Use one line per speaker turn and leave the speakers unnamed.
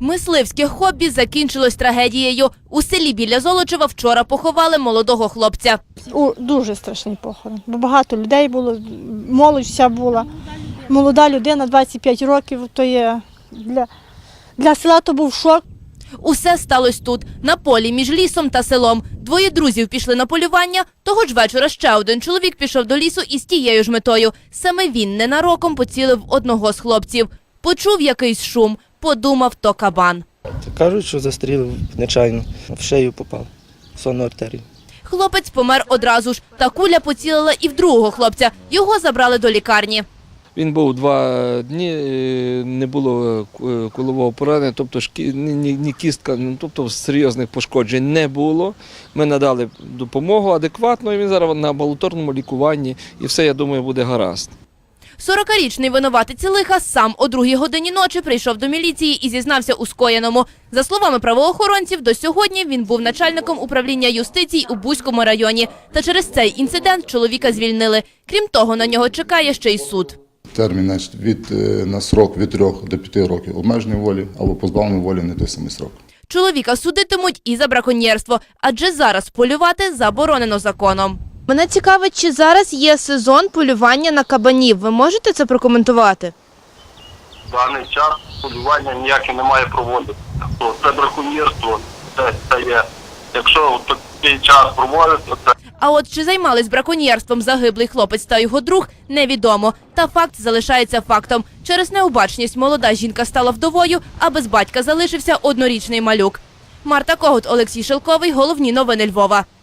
Мисливське хобі закінчилось трагедією. У селі біля Золочева вчора поховали молодого хлопця.
Дуже страшний похорон, бо багато людей було, молодь вся була. Молода людина, 25 років, то є для села то був шок.
Усе сталося тут, на полі між лісом та селом. Двоє друзів пішли на полювання. Того ж вечора ще один чоловік пішов до лісу із тією ж метою. Саме він ненароком поцілив одного з хлопців. Почув якийсь шум, подумав, то кабан.
Кажуть, що застрілив нечайно, в шию попав, в сонну артерію.
Хлопець помер одразу ж, та куля поцілила і в другого хлопця. Його забрали до лікарні.
Він був 2 дні, не було кулового поранення, тобто ні кістка, тобто серйозних пошкоджень не було. Ми надали допомогу адекватно, і він зараз на амбулаторному лікуванні, і все, я думаю, буде гаразд.
40-річний винуватець лиха сам о 2-й годині ночі прийшов до міліції і зізнався у скоєному. За словами правоохоронців, до сьогодні він був начальником управління юстиції у Буському районі. Та через цей інцидент чоловіка звільнили. Крім того, на нього чекає ще й суд.
Термін на срок від 3 до 5 років обмеженої волі або позбавлення волі не той самий срок.
Чоловіка судитимуть і за браконьєрство, адже зараз полювати заборонено законом.
Мене цікавить, чи зараз є сезон полювання на кабанів. Ви можете це прокоментувати?
В даний час полювання ніяке не має проводити. Це браконьєрство, це є. Якщо в такий час проводиться, це...
А от чи займались браконьєрством загиблий хлопець та його друг, невідомо. Та факт залишається фактом. Через необачність молода жінка стала вдовою, а без батька залишився однорічний малюк. Марта Когут, Олексій Шелковий. Головні новини Львова.